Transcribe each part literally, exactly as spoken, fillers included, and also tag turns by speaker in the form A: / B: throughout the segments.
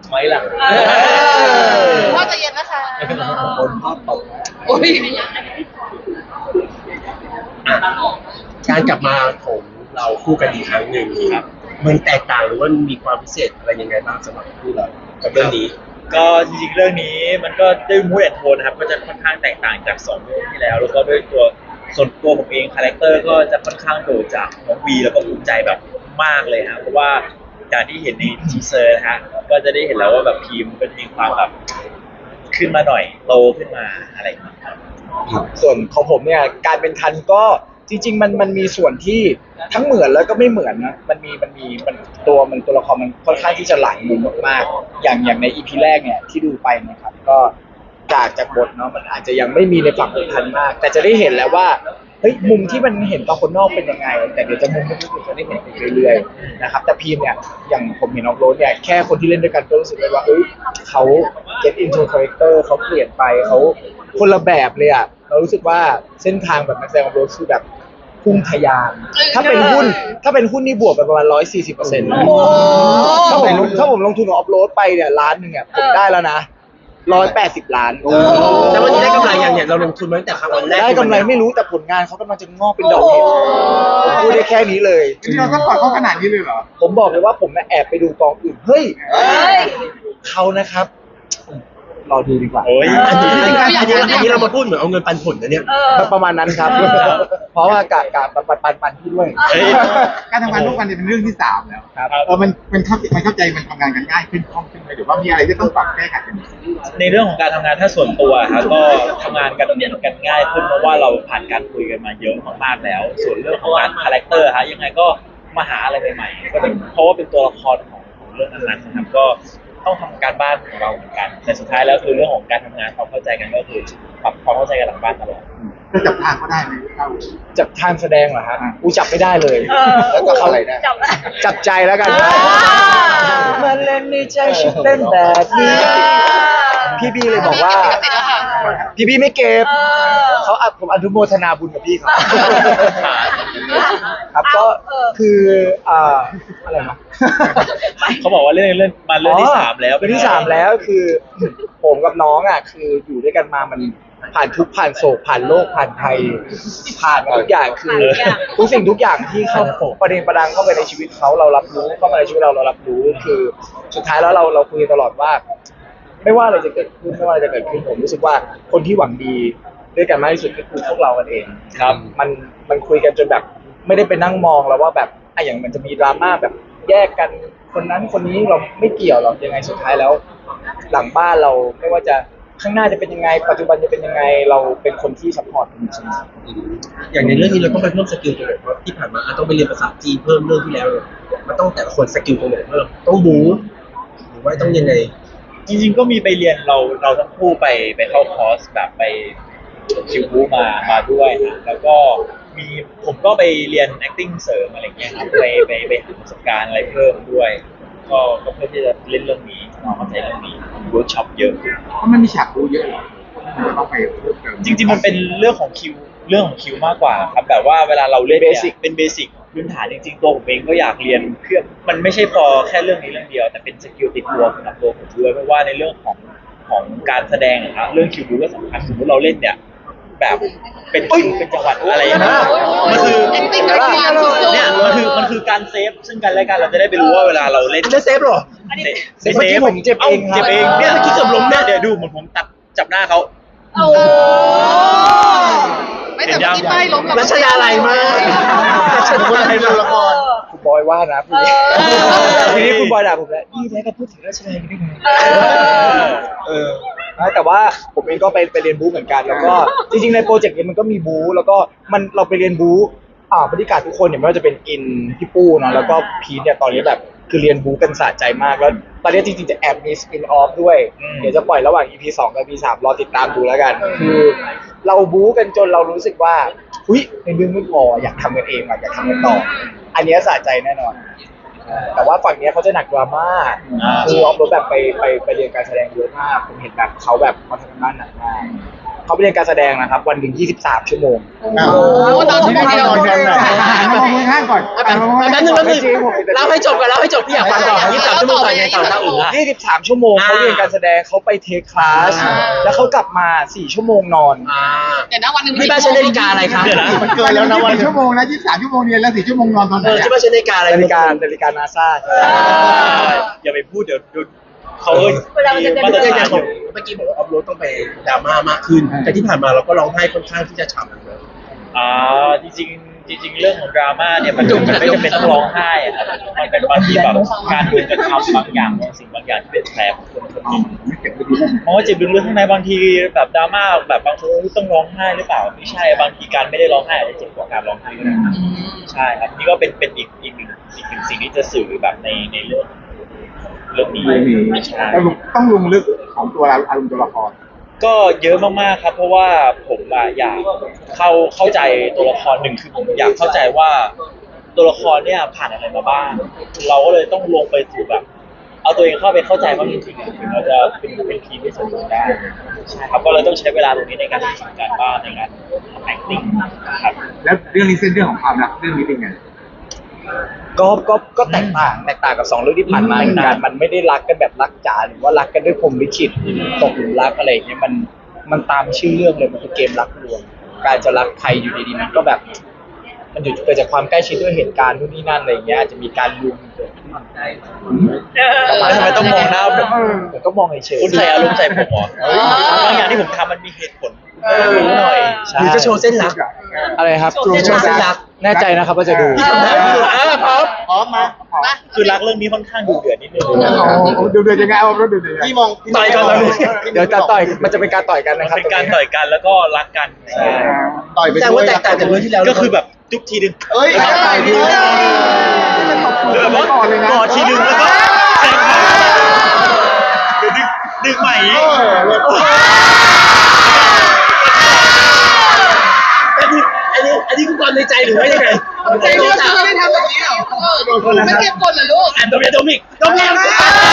A: ไหมล่ะ
B: พ่อใจะเย็นนะคะ
C: คนพ่อตก
B: โอ้ย
D: การกลับมาของเราคู่กันอีกครั้งหนึ่งครับมันแตกต่างหรือว่ามีความพิเศษอะไรยังไงบ้างสำหรับคู่เรากับเรื่องนี้
A: ก็จริงๆเรื่องนี้มันก็ด้วยมูดแอนโทนนะครับก็จะค่อนข้างแตกต่างจากสองเรื่องที่แล้วแล้วก็ด้วยตัวส่วนตัวผมเองคาแรคเตอร์ก็จะค่อนข้างโดดจากน้องวีแล้วก็ภูมิใจแบบมากเลยครับเพราะว่าอย่างที่เห็นในทีเซอร์นะฮะก็จะได้เห็นแล้วว่าแบบพีมมันมีความแบบขึ้นมาหน่อยโตขึ้นมาอะไรอย่างเงี้ยครับ
C: ส่วนของผมเนี่ยการเป็นทันก็จริงๆมันมันมีส่วนที่ทั้งเหมือนแล้วก็ไม่เหมือนนะมันมีมันมีมันตัวมันตัวละครมันค่อนข้างที่จะหลายมุมมากๆอย่างอย่างในอีพีแรกเนี่ยที่ดูไปนะครับก็จากจากบทเนาะมันอาจจะยังไม่มีในฝั่งของทันมาก แต่จะได้เห็นแล้วว่าเฮ้ยมุมที่มันเห็นตอนคนนอกเป็นยังไงแต่เดี๋ยวจะมุมที่คุณจะได้เห็นไปเรื่อยๆนะครับแต่พีมเนี่ยอย่างผมเห็นน้องโรสเนี่ยแค่คนที่เล่นด้วยกันก็รู้สึกเลยว่าเอ้ยเขา get into character เขาเปลี่ยนไปเขาคนละแบบเลยอ่ะเรารู้สึกว่าเส้นทางแบบนักแสดงของโรสคือแบบพุ่งทะยานถ้าเป็นหุ้นถ้าเป็นหุ้นนี่บวกไปประมาณร้อยสี่สิบเปอร์เซ็นต์ถ้าผมถ้าผมลงทุนกับออฟโรดไปเนี่ยล้านหนึ่งอ่ะผมได้แล้วนะร้อยแปดสิบล้าน
D: แต่ว่าจะได้กำไรอย่างเนี่ยเราลงทุนมาตั้งแต่ครั้งวันแรก
C: ได้กำไรไม่รู้แต่ผลงานเขากำลังจะงอกเป็นดอกเห็ดผมพูดได้แค่นี้เลย
E: นี่เราต้องกอดเขาขนาดนี้เลยเหรอ
C: ผมบอกเลยว่าผมแอบไปดูกองอื่นเฮ้ยเขานะครับรอดูดีกว่า
A: โอ้ย
D: อันนี้อันนี้อันนี้เรามาพูดเหมือนเอาเงินปันผลนะเนี่ย
C: ประมาณนั้นครับ เพราะว่ากะกะปันปันปันพี่ด้วย
E: การทำงานทุกวันเนี่ยเป็นเรื่องที่สามแล้ว
C: ครับ
E: เออมันมันเข้ามันเข้าใจมันทำงานกันง่ายขึ้นคล่องขึ้นไหมหรือว่ามีอะไรที่ต้องปรับแก้ไขกัน
A: ในเรื่องของการทำงานถ้าส่วนตัวครับก็ทำงานกันกันง่ายขึ้นเพราะว่าเราผ่านการคุยกันมาเยอะมากๆแล้ว ส่วนเรื่องของการคาแรคเตอร์ฮะยังไงก็มาหาอะไรใหม่ๆก็เป็นเพราะว่าเป็นตัวละครของของเรื่องนั้นๆนะครับก็ต้องทำการบ้านของเราเหมือนกันแต่สุดท้ายแล้วคือเรื่องของการทำงานความเข้าใจกันก็คือปรับความเข้าใจกันหลังบ้านตลอด
E: จะจับทางเขาได้ไหมเต้า
C: จับทางแสดงเหรอฮะกูจับไม่ได้เลยแล้วก็เข้าอะไรได้จับใจแล้วกันมาเล่นในใจฉันเต้นแบบนี้พี่บีเลยบอกว่าพี่บีไม่เก็บเขาอัดผมอนุโมทนาบุญกับพี่เขาครับก็คืออ่าอะไรนะ
A: เขาบอกว่าเรื่องเรื่องมาเรื่องที่สามแล้ว
C: เรื่องที่สามแล้วคือผมกับน้องอ่ะคืออยู่ด้วยกันมามันผ่านทุกผ่านโศกผ่านโลกผ่านภัยผ่านมาทุกอย่างคือทุกสิ่งทุกอย่างที่เข้าประเด็นประดังเข้าไปในชีวิตเขาเรารับรู้เข้ามาในชีวิตเราเรารับรู้คือสุดท้ายแล้วเราเราคุยตลอดว่าไม่ว่าอะไรจะเกิดขึ้นไม่ว่าอะไรจะเกิดขึ้นผมรู้สึกว่าคนที่หวังดีด้วยกันมากที่สุดก็คือพวกเรากันเอง
A: ครับ
C: มันมันคุยกันจนแบบไม่ได้ไปนั่งมองแล้วว่าแบบไอ้อย่างมันจะมีดราม่าแบบแยกกันคนนั้นคนนี้เราไม่เกี่ยวหรอกยังไงสุดท้ายแล้วหลังบ้านเราไม่ว่าจะข้างหน้าจะเป็นยังไงปัจจุบันจะเป็นยังไงเราเป็นคนที่ซัพพอร์ตกันเสมอ
D: อย่างในเรื่องนี้เราต้องไปเพิ่มสกิลตรงไหนเพราะที่ผ่านมาต้องไปเรียนภาษาจีนเพิ่มเรื่องที่แล้วมันต้องแต่ละคนสกิลตรงไหนเพิ่มต้องบู๊หรือว่าต้องยังไง
A: จริงๆก็มีไปเรียนเราเราทั้งคู่ไปไปเข้าคอร์สแบบไปคิวบูมามาด้วยนะแล้วก็มีผมก็ไปเรียน acting เสริมอะไรเงี้ยครับไปไปไปหาประสบการณ์อะไรเพิ่มด้วยก็ก็เพื่อที่จะเล่นเรื่องนี้น้องเข้าใจเรื่องนี้เวิร์กช็อปเยอะ
E: เพราะมันมีฉากดูเยอะหรอต้องไปเพิ่มเติม
A: จริงๆมันเป็นเรื่องของคิวเรื่องของคิวมากกว่าครับแบบว่าเวลาเราเล่นเนี่ยเป็นเบสิกพื้นฐานจริงๆตัวผมเองก็อยากเรียนเพื่อมันไม่ใช่พอแค่เรื่องนี้เรื่องเดียวแต่เป็นสกิลติดตัวสำหรับตัวผมด้วยเพราะว่าในเรื่องของของการแสดงครับเรื่องคิวบูก็สำคัญสมมติเราเล่นเนี่ยแบบเป็นคิวเป็นจังหวัดอะไรอย่างเงี้ยมันคือเนี่ยมันคือมันคือการเซฟซึ่งกันและกันเราจะได้ไปรู้ว่าเวลาเราเล่น
D: จะเซฟหรอ
A: เซฟผมเจ็บเองเจ็บเองเนี่ยที่เกือบล้มเนี่ยเดี๋ยวดูเหมือนผมตัดจับหน้าเขา
B: โอ้ไม่แต่ที่ป้ายล้ม
D: รัชดาอะไรมากรัชดาอะไรมาละคร
C: คุณบอยว่านะพี่ทีนี้คุณบอยด่าผมแล้วนี่แท้ก็พูดถึงราชดาได้ไงเออแต่ว่าผมเองก็ไปไปเรียนบู๊เหมือนกันแล้วก็จริงๆในโปรเจกต์นี้มันก็มีบู๊แล้วก็มันเราไปเรียนบู๊อ่าบรรยากาศทุกคนเนี่ยไม่ว่าจะเป็นกินพี่ปู้เนาะแล้วก็พีทเนี่ยตอนนี้แบบคือเรียนบู๊กันสะใจมากแล้วตอนนี้จริงๆจะแอบมีสปินออฟด้วยเดี๋ยวจะปล่อยระหว่าง อี พี สองกับ อี พี สามรอติดตามดูแล้วกันคือเราบู๊กันจนเรารู้สึกว่าหุ้ยในเรื่องไม่พออยากทำกันเองอยากทำกันต่ออันนี้สะใจแน่นอนแต่ว่าฝั่งนี้เขาจะหนักดราม่าคือออฟโรดแบบไปไปไปเรียนการแสดงเยอะมากผมเห็นแบบเขาแบบเขาทำงานหนักมากเขาไปเรียนการแสดงนะครับวันหนึ่งยี่สิบสามชั่วโมง
E: อ้าวตอนที่ได้นอนกันหน่อยมองมือข้างก่อน
D: แป๊บนึงแป๊บนึงแป๊บนึงเล่าให้จบก่อนเล่าให้จบพี่อยากฟังต่อยี่สิบสามชั่วโมงต่อยังไงต่อถ้าอื่นละ
C: ยี่สิบสามชั่วโมง
D: อ่า
C: เขาเรียนการแสดงเขาไปเทคคลาส
D: อ่า
C: แล้วเขากลับมาสี่ชั่วโมงนอน
D: อ่า
B: เดี๋ยวนะวันหนึ่ง
D: ที่บ้านใช้นาฬิกาอะไรครับ
A: เดี๋ยวนะ
E: มันเกินแล้วนะวันชั่วโมงนะยี่สิบสามชั่วโมงเรียนแล้วสี่ชั่วโมงนอนตอนไหน
D: เออที่บ้านใช้นาฬิกาอะไร
C: นาฬิกานาฬิกานาซา
A: อย่าไปพูดเดี๋ยวเดี๋ยวเขา
D: เวลามันจะ
A: มาตร
D: เรื่อง
A: ฐาน
D: ข
A: อ
D: อง
A: ยู่
D: เมื่อกี้บอกว่าอัพโหลดต้องไปดราม่ามากขึ้น แต่ที่ผ่านมาเราก็ร้องไห้ค่อนข้างที่จะฉ่ำเลย
A: อ่าจริงๆจริง ๆ เรื่องของดราม่าเนี่ยมันมันไม่จำเป็นต้องร้องไห้อะครับมันเป็นบางทีแบบการถูกกระทำบางอย่างบางสิ่งบางอย่างที่เป็นแผลของคนคนหนึ่งเพราะว่าเจ็บลึกๆข้างในบางทีแบบดราม่าแบบบางคนต้องร้องไห้หรือเปล่าไม่ใช่บางทีการไม่ได้ร้องไห้อาจจะเจ็บกว่าการร้องไห้ก็ได้ครับใช่ครับนี่ก็เป็นเป็นอีกอีกหนึ่งอีกหนึ่งสิ่งที่จะสื่อแบบในในเรื่องเรื่องนี้ใช่
E: ต้องลงลึกของตัวเราอารมณ์ตัวละคร
A: ก็เยอะมากๆครับเพราะว่าผมอะอยากเข้าเข้าใจตัวละครหนึ่งคือผมอยากเข้าใจว่าตัวละครเนี่ยผ่านอะไรมาบ้าง เราก็เลยต้องลงไปสู่แบบ เอาตัวเองเข้าไปเข้าใจว่าจริงๆอะถึงเราจะเป็นเป็นทีมที่สมบูรณ์ได้ใช่ครับก็เลยต้องใช้เวลาตรงนี้ในการทำการบ้านในการ acting ครับ
E: แล้วเรื่องนี้เส้นเรื่องของความรักเรื่องนี้เป็นไง
C: ก็ก็ก็แตกต่างแตกต่างกับสองเรื่องที่ผ่านมาเหมือนกันมันไม่ได้รักกันแบบรักจ๋าหรือว่ารักกันด้วยพรหมลิขิตตกหลุมรักอะไรอย่างเงี้ยมันมันตามชื่อเรื่องเลยมันคือเกมรักลวงการจะรักใครอยู่ดีๆมันก็แบบ มันอยู่เกิดจากความใกล้ชิดด้วยเหตุการณ์นู่นนี่นั่นอะไรอย่างเงี้ยอาจจะมีการลุมเกิดขึ้นประมาณ
A: ทำไมต้องมองหน้าผม
C: ผมก็มองเฉยๆ
A: คุณใส่อารมณ์ใส่ผมเหรอบางอย่างที่ผมทำมันมีเหตุผลรู้หน่อย
C: ใช่
D: หรือจะโชว์เส้นรัก
C: อะไรครับ
D: โชว์เส้นรัก
C: แน่ใจนะครับว่าจะดู
D: พี่ทำได้พี่ดูอ่าพร้อม
E: พร้อมมา
B: มา
A: คือรักเรื่องนี้ค่อนข้างดุเดือดนิดนึง
E: ดูเดือดยังไงเอาดูเดือดยังไงพี่มอง
D: ต่อยกันเลย
C: เดี๋ยวจะต่อยมันจะเป็นการต่อยกัน
A: มัน
C: นะครับ
A: เป็นการต่อยกันแล้วก็รักกัน
E: ต่อยไป
D: แต่
E: ด้ว
D: ว่าย แตกต่างจากเรื่องที่แล้ว
A: ก็คือแบบจุ๊บทีนึง
E: เอ้ยต่อยดีเลย
A: หรือแบบว่าก
E: อดเลยนะ
A: กอดทีนึงแล้วก็แทงเขาหรือดึงดึงใหม่
E: เออเลย
D: อันนี้อันนี้อันนี้คือความในใจหรือว่ายังไง
B: ใจเลือดไม่ได้ทำแบบนี้หรอเออไม่เก็บกดเหรอลูก
D: อ่านโดมิโดมิกโดมิก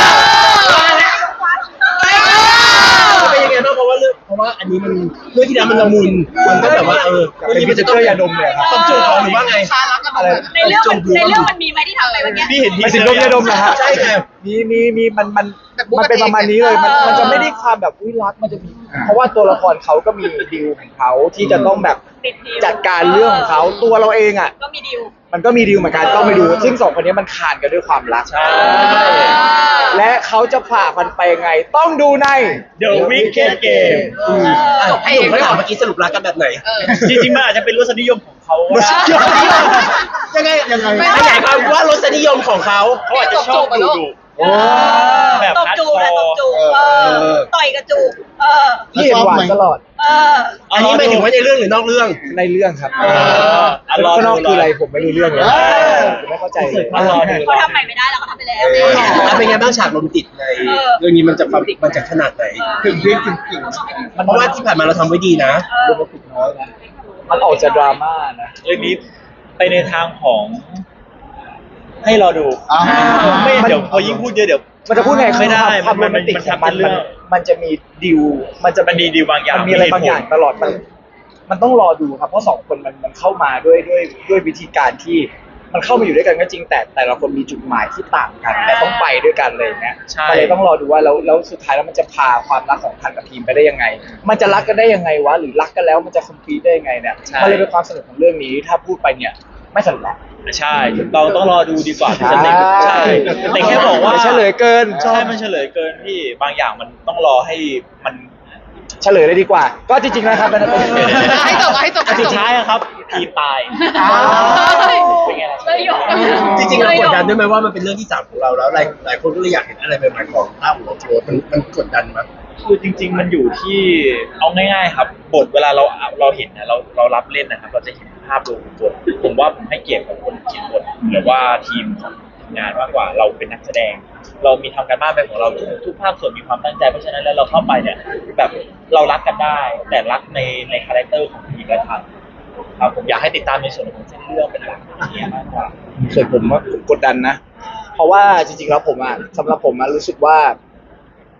D: เป็นยังไงบ้างเพราะว่าเรื่องเพราะว่าอันนี้มันเรื่องที่แล้วมันละมุนมันก็แบบว่าเออเรื่องนี้มันจะต้อง
C: เป็นพิเศษยาดมเลยครับ
D: ต้องจูบเขาหรือว่าไง
B: ชารักกัน
C: อะไร
F: ในเรื่องมันในเรื่องมันมีไหมที่ทำไปเมื่อกี้
A: พี่เห็นที
C: มัน
A: เซ
C: สิ
A: อ
C: ด
A: ร์
C: มยาดมเหรอครับ
D: ใช่ครับ
C: มีมีมีมันมันมันเป็นประมาณนี้เลยมันมันจะไม่ได้ความแบบอุ้ยรักมันจะมีเพราะว่าตัวละครเขาก็มีดีลของเขาที่จะต้องแบบ
F: ติดดีล
C: จัดการเรื่องของเขาตัวเราเองอ่ะ
F: ก็มีดีล
C: มันก็มีดีลเหมือนกันต้องไปดู ซึ่งสองคนนี้มันขานกันด้วยความรัก
A: ใช่
C: และเขาจะผ่ามันไปยังไง ต้องดูใน
A: The Wicked Game
D: อ่ะพี่หนุ่มก็ถามเมื่อกี้สรุปรักกันแบบไหน
A: จริงๆมันอาจจะเป็นรสนิยมของเขาก็ได้
D: ยังไง
E: ยังไง
D: ขยายความว่ารสนิยมของเขา
A: เขาอาจจะชอบดูดู
E: โอ้
A: แบบ
F: ตบ
A: ฮาร์ด
F: จู
A: ค
F: บและต
A: อบ ร์
F: จูบเออต่อยกับจูบเออ
C: ที่เห็นหวานตลอด
F: เออ
D: อันนี้หมายถึงว่าในเรื่องหรือนอกเรื่อง
C: ในเรื่องครับ
A: เอออ่ะรอ
C: ข้างน
A: ดู
C: อกคืออะไรผมไม่รู้เรื่องเลยผมไม่เข้าใจเลย
A: อ่ะรอดู
F: เขาทำใหม่ไม่ได้เราก็ทำไปแล้ว
D: แล้วเป็นไงบ้างฉากโรแมนติกในเรื่องนี้มันจะความมันจะขนาดไหน
E: ถึงเรียกจริง
D: เพราะว่าที่ผ่านมาเราทำไว้ดีนะ
C: โรแมนติกน้อยนะมันออกจะดราม่านะ
A: เรื่องนี้ไปในทางของ ให้รอดู
E: ๆอ่า
A: ไม่เดี๋ยวพอยิ่งพูดเยอะเดี๋ยว
C: มันจะพูดไง
A: ไม่ได้
C: ความ
A: มั
C: โร
A: น
C: แมนติก
A: มัน
C: ของมัน
A: มันเป็นเรื่
C: มั
A: อน ง
C: มันจะมีดิวมันจะ
A: มันมีดีลบางอย่าง
C: มันมีอะไรบางอย่างตลอดมันมันต้องรอดูครับเพราะสองคนมันมันเข้ามาด้วยด้วยด้วยวิธีการที่มันเข้ามาอยู่ด้วยกันก็จริงแต่แต่ละคนมีจุดหมายที่ต่างกันแต่ต้องไปด้วยกันเลยนะ
A: ใช่
C: ก็เลยต้องรอดูว่าแล้วแล้วสุดท้ายแล้วมันจะพาความรักของทันกับทีมไปได้ยังไง มันจะรักกันได้ยังไงวะหรือรักกันแล้วมันจะคอมพลีทได้ยังไงเนี่ยมันเลยเป็นความสนุกของเรื่องนี้ถ้าพูดไปเนี่ยไม่สนุกละ
A: ใช่เราต้องรอดูดีกว่าพี่สเต็กใช่แต่แค่บอกว่า
C: มันเฉลยเกิน
A: ใช่มันเฉลยเกินที่บางอย่างมันต้องรอให้มัน
C: เฉลยเลยดีกว่า ก็จริงๆนะครับเป็น
B: ให้จบให้จบให้จ
A: สุ
B: บ
A: ดท้ายอะครับทีมตายเป็นไงล่ะ
F: เลยหยก
D: จริงๆเรากดดันด้วยไหมว่ามันเป็นเรื่องที่สามของเราแล้วหลายหลายคนก็เลยอยากเห็นอะไรใหม่ๆของต้าหัวโชว์มันมันกดดันมั้ย
A: คือจริง ๆ มันอยู่ที่เอาง่ายๆครับบทเวลาเราเราเห็นนะเราเรารับเล่นนะครับ เราจะเห็นภาพรวมของบทผมว่าผมให้เกียรติกับคนเขียนบทหรือว่าทีมของงานมากกว่าเราเป็นนักแสดง เรามีทำการบ้านเป็นของเราทุกทุกภาคส่วนมีความตั้งใจเพราะฉะนั้นแล้วเราเข้าไปเนี่ยแบบเรารักกันได้ แต่รักในในคาแรคเตอร์ของทีมและทางครับผมอยากให้ติดตามในส่วนของเส้นเรื่องเป็นหลักเนี่ยมากกว่า
C: ส่วนผมว่าผมกดดันนะ เพราะว่าจริงๆแล้วผมอ่ะสำหรับผมอ่ะรู้สึกว่า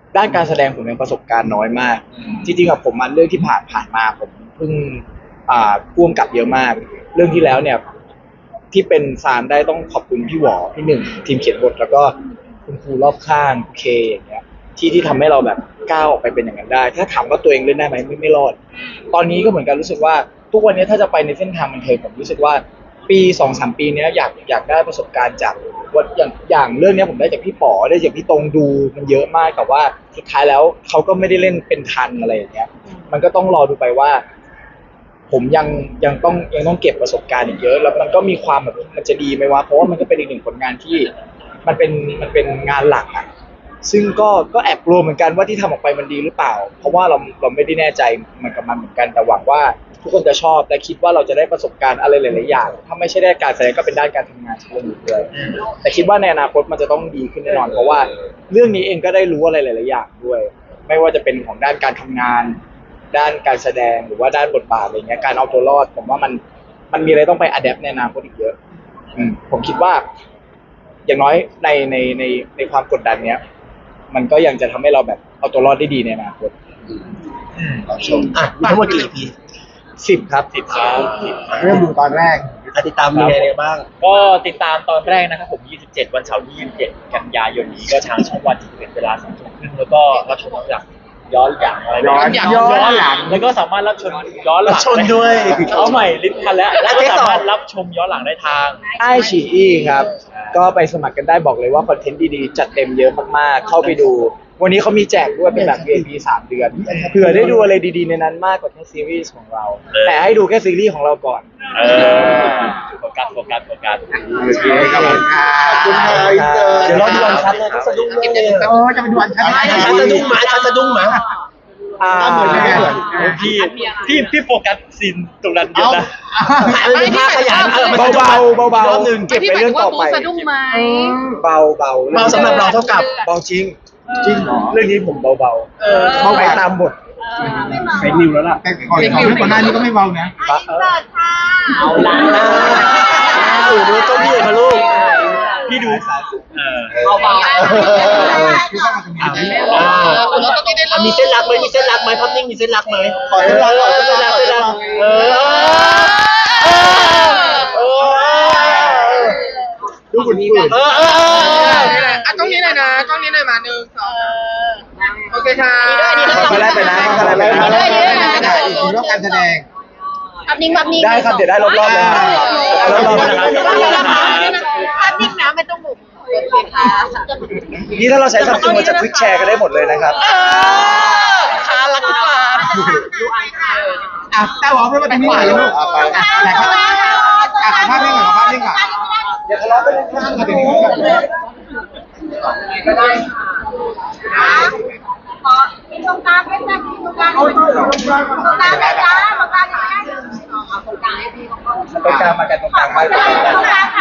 C: ด้านการแสดงผมยังประสบการณ์น้อยมาก จริงๆกับผมมันเรื่องที่ผ่านผ่านมาผมเพิ่งอ่าพ่วงกับเยอะมาก เรื่องที่แล้วเนี่ย ที่เป็นซานได้ต้องขอบคุณพี่หวอพี่หนึ่งทีมเขียนบทแล้วก็คุณครูรอบข้างเคอย่างเงี้ยที่ที่ทำให้เราแบบก้าวออกไปเป็นอย่างนั้นได้ ถ้าถามว่าตัวเองเล่นได้ไหมไม่ไม่รอด ตอนนี้ก็เหมือนกันรู้สึกว่าทุกวันนี้ถ้าจะไปในเส้นทางบันเทิงผมรู้สึกว่าปีสองสามปีเนี้ยอยากอยากได้ประสบการณ์จากว่าอย่างอย่างเรื่องเนี้ยผมได้จากพี่ป๋อได้จากพี่ตรงดูมันเยอะมากแต่ว่าสุดท้ายแล้วเขาก็ไม่ได้เล่นเป็นทันอะไรอย่างเงี้ย มันก็ต้องรอดูไปว่า ผมยังยังต้องยังต้องเก็บประสบการณ์อีกเยอะ แล้วมันก็มีความแบบมันจะดีไหมวะเพราะว่ามันก็เป็นอีกหนึ่งผลงานที่มันเป็นมันเป็นงานหลักอ่ะซึ่งก็ก็แอบกลัวเหมือนกันว่าที่ทำออกไปมันดีหรือเปล่า เพราะว่าเราเราไม่ได้แน่ใจมันกับมันเหมือนกันแต่หวังว่าทุกคนจะชอบและคิดว่าเราจะได้ประสบการณ์อะไรหลายๆอย่างถ้าไม่ใช่ด้านการแสดงก็เป็นด้านการทำงานเชิงลึกเลยแต่คิดว่าในอนาคตมันจะต้องดีขึ้นแน่นอนเพราะว่าเรื่องนี้เองก็ได้รู้อะไรหลายๆอย่างด้วย ไม่ว่าจะเป็นของด้านการทำงาน ด้านการแสดงหรือว่าด้านบทบาทอะไรเงี้ยการเอาตัวรอดผมว่ามันมันมีอะไรต้องไปอัดแอปในอนาคตอีกเยอะอืมผมคิดว่า อย่างน้อยในในในในความกดดันเนี้ย มันก็ยังจะทำให้เราแบบเอาตัวรอดได้ดีในอนาคต
D: ชมอ่ะมีทั้งหมดกี่ อี พี
C: สิบครับ
A: สิบครับ
E: เริ่มดูตอนแรก
D: อ่ะติดตามยังไงบ้าง
A: ก็ติดตามตอนแรกนะครับผมยี่สิบเจ็ดวันเสาร์ที่ยี่สิบเจ็ดกันยายนนี้ก็ทางช่องวันสิบเอ็ดเวลาสองทุ่มครึ่งแล้วก็รับชมหลังย้อนหลังอะไร
E: ย้อนหลังย้อนหลัง
A: แล้วก็สามารถรับชมย้อนหลัง
D: รับชมด้วย
A: เอาใหม่ลิ้นพันแล้วแล้วก็สามารถรับชมย้อนหลังได้ทาง
C: ไอฉีอีครับ ก็ไปสมัครกันได้บอกเลยว่าคอนเทนต์ดีๆ จัดเต็มเยอะมากๆ เข้าไปดู วันนี้เขามีแจกด้วยเป็นแบบ วี ไอ พี สามเดือนเผื่อได้ดูอะไรดีๆในนั้นมากกว่าแค่ซีรีส์ของเรา
A: เออ
C: แต่ให้ดูแค่ซีรีส์ของเราก่อน
A: เออโฟกัสโฟกัสโฟกัส
E: โอเคขอบคุณค่ะขอบคุณค่ะอินเตอร์
D: เดี๋ยวรอดูวันชัดเลยก็สะดุ้งเลย
E: เออจะไปดูอันชันได้
D: ชัดสะดุ้งหมาชัดสะดุ้งหมา
C: อ่า
E: เหมือนกัน
A: พี่พี่พี่โฟกัสซีนตรงนั้นเยอะนะ
D: มันเป็นภาพขยายเออมัน
C: เบาๆเบา
D: รอบหนึ่ง
C: ๆเก็บไปเรื่องต่อไป
B: สะดุ้งไหม
C: เบาๆเบา
D: เบาสำหรับเราเท่ากับ
C: เบาจริง จริงเหรอเรื่องนี้ผมเบาๆเบาไปตามบท
D: เป็นนิวแล้วล่ะ
E: แต่ก่อนของก่อนหน้านี้ก็ไม่เบานะ
F: อินเสิร์ตค่ะ
A: เอาละ
D: โอ้โหเจ้าพี่มาลูก
A: พี่ดูเออ
F: เบาๆ
E: คือเข้ามาตรงนี้
D: อ่ะ
E: ได้
D: อ่าอ่ะมีเส้นรักไหมมีเส้นรักไหมภาพนิ่งมีเส้นรักไหม
E: ขอเส้นรักขอ
D: เส้
E: เส้
D: น
E: น
D: รั
E: รั
D: ก
E: ก
D: เส้นรักเออเออ
E: ดูคุณนี่กัน
D: เออเออเออ
B: อ่ะต้องนี้หน่อยนะต้องนี้หน่อยมาหนึ่งสองโอเคค่ะ
C: ก็ได้ไปนะก็ได้ไปนะ
E: ได้ได้อีกทีรอบการแสดง
F: อับนิ่งอับนิ่ง
C: ได้ครับเดี๋ยวได้รอบๆเลยครับได้รอบๆนะครับ
F: อับนิ่งนะไม่ต้องบุกโอเคค่ะ
C: นี่ถ้าเราใช้ซัมซุงเราจะควิกแชร์กันได้หมดเลยนะครับ
B: ค้ารักกว่า
E: อ่ะเต้าหอมเพื่อนมาตรงนี้หน่อยลูกไปอ่ะไหนครับอ่ะขอภาพนิ่งก่อนขอภาพนิ่งก่อน
C: อย่าทะเลาะกันเลยครับ
E: มาตรงนี้ก่อนเลย
F: ขอมีตรงกลางไหมจ๊ะมีตรงกลางตรงกลางไหมจ๊ะตรงกลางไหมเอาตรงกลางให้พี่เขา
C: ตรงกลางมากันตรงกลางมา
F: ตรงกลางค่ะ